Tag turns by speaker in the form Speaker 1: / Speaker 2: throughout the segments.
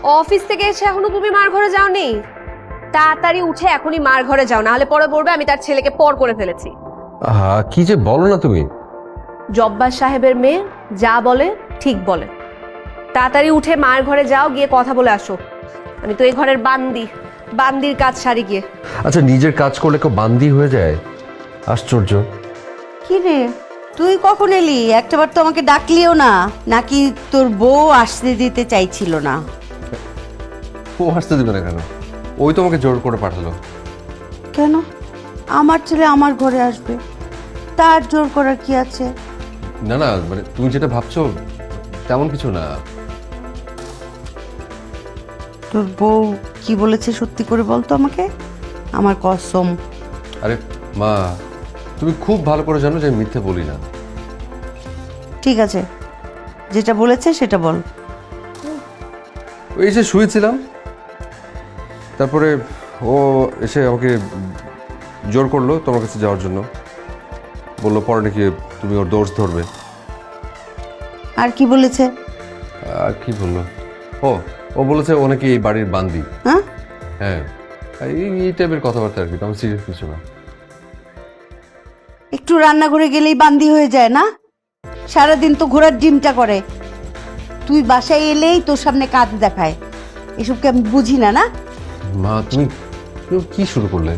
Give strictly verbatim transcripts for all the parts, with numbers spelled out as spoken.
Speaker 1: Office থেকে এসে এখনো তুমি মার ঘরে যাওনি? তাড়াতাড়ি উঠে এখনই মার ঘরে যাও, না হলে পরে বলবে আমি তার ছেলেকে পর করে ফেলেছি।
Speaker 2: আহা, কি যে বলো না তুমি।
Speaker 1: জব্বার সাহেবের মেয়ে যা বলে ঠিক বলে। তাড়াতাড়ি উঠে মার ঘরে যাও, গিয়ে কথা বলে আসো। আমি তো এই ঘরের বান্দি, বান্দির কাজ সারি গিয়ে।
Speaker 2: আচ্ছা, নিজের কাজ করলে কেউ বান্দি হয়ে যায়? আশ্চর্য।
Speaker 3: কি রে, তুই কখন এলি? একটাবার তো আমাকে ডাকলিও না। নাকি তোর বউ আসতে দিতে চাইছিল না?
Speaker 2: ও আসতে দেবে না কেন? ওই তোমাকে জোর করে পাঠালো।
Speaker 3: কেন? আমার ছেলে আমার ঘরে আসবে, তার জোর করার কি আছে?
Speaker 2: না না, মানে তুমি যেটা ভাবছো তেমন কিছু না।
Speaker 3: তোর বউ কি বলেছে সত্যি করে বলতো আমাকে, আমার কসম।
Speaker 2: আরে মা, তুমি খুব ভালো করে জানো যে আমি মিথ্যে বলি না।
Speaker 3: ঠিক আছে, যেটা বলেছে সেটা বল।
Speaker 2: এই যে শুয়েছিলাম, তারপরে ও এসে আমাকে জোর করলো তোমার কাছে যাওয়ার জন্য। বললো পরে নাকি তুমি ওর দোষ ধরবে।
Speaker 3: আর কি বলেছে?
Speaker 2: আর কি বললো, ও ও বলেছে ও নাকি এই বাড়ির বান্দি।
Speaker 3: হ্যাঁ
Speaker 2: হ্যাঁ, এই এই টাইপের কথাবার্তা আর কি, তেমন সিরিয়াস কিছু না।
Speaker 3: একটু রান্নাঘরে গেলেই বান্দি হয়ে যায় না? সারাদিন তো ঘোড়ার ডিমটা করে, তুই বাসায় এলেই তোর সামনে কাজ দেখায়। এসবকে আমি বুঝি না। না
Speaker 2: মা, তুমি তুমি কি শুরু করলে?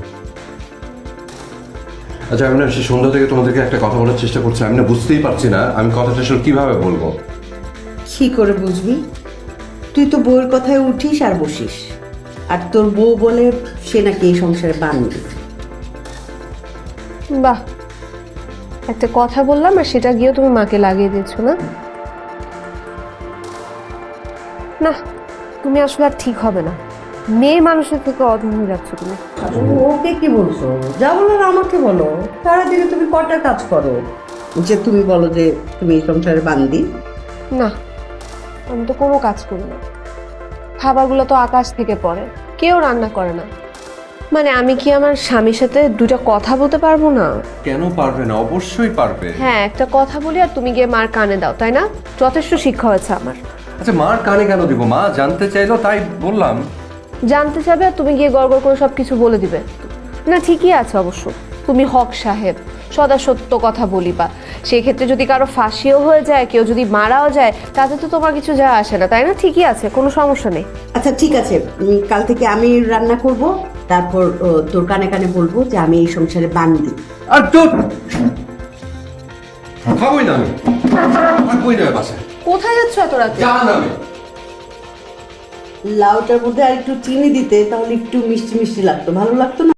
Speaker 2: আচ্ছা, আমি না সে সন্ধ্যা থেকে তোমাদেরকে একটা কথা বলার চেষ্টা করছি, আমি না বুঝতেই পারছি না আমি কথাটা আসলে কিভাবে বলবো।
Speaker 3: কি করে বুঝবি? তুই তো বউয়ের কথায় উঠিস আর বসিস, আর তোর বউ বলে সে নাকি এই সংসারে বান্দি।
Speaker 1: বাহ, একটা কথা বললাম আর সেটা গিয়েও তুমি মাকে লাগিয়ে দিয়েছো না? না, তুমি আসলে আর ঠিক হবে না। মেয়ে মানুষের থেকে অধম হয়ে যাচ্ছ তুমি।
Speaker 3: ওকে কি বলছো? যা বলার আমাকে বলো। সারাদিনে তুমি কটা কাজ করো যে তুমি বলো যে তুমি এই সংসারে বান্দি?
Speaker 1: না, আমি তো কোনো কাজ করি না। খাবারগুলো তো আকাশ থেকে পড়ে, কেউ রান্না করে না। মানে আমি কি আমার স্বামীর সাথে দুটো কথা বলতে পারবো না?
Speaker 2: কেন পারবে না? অবশ্যই পারবে।
Speaker 1: হ্যাঁ, একটা কথা বলি আর তুমি গিয়ে মার কানে দাও, তাই না? যথেষ্ট শিক্ষা হয়েছে আমার।
Speaker 2: আচ্ছা, মার কানে কেন দিব? মা জানতে চাইলো তাই বললাম।
Speaker 1: জানতে চাবে আর তুমি গিয়ে গড়গড় করে সব কিছু বলে দিবে? না, ঠিকই আছে অবশ্য। তুমি হক সাহেব, সদা সত্য কথা বলিবা। সেই ক্ষেত্রে যদি কারো ফাঁসিও হয়ে যায়, কেউ যদি মারাও যায়, তাতে তো তোমার কিছু যায় আসে না, তাই না? ঠিকই আছে, কোনো সমস্যা নেই।
Speaker 3: আচ্ছা ঠিক আছে, উম, কাল থেকে আমি রান্না করব, তারপর ও, তোর কানে কানে বলবো যে আমি এই সংসারে বান্দি।
Speaker 2: আর তোর খাবোই না আমি, থাকবোই না বাসায়।
Speaker 1: কোথায় যাচ্ছ এত রাতে?
Speaker 2: জান আমি
Speaker 3: লাউটার মধ্যে আর একটু চিনি দিতে, তাহলে একটু মিষ্টি মিষ্টি লাগতো, ভালো লাগতো না?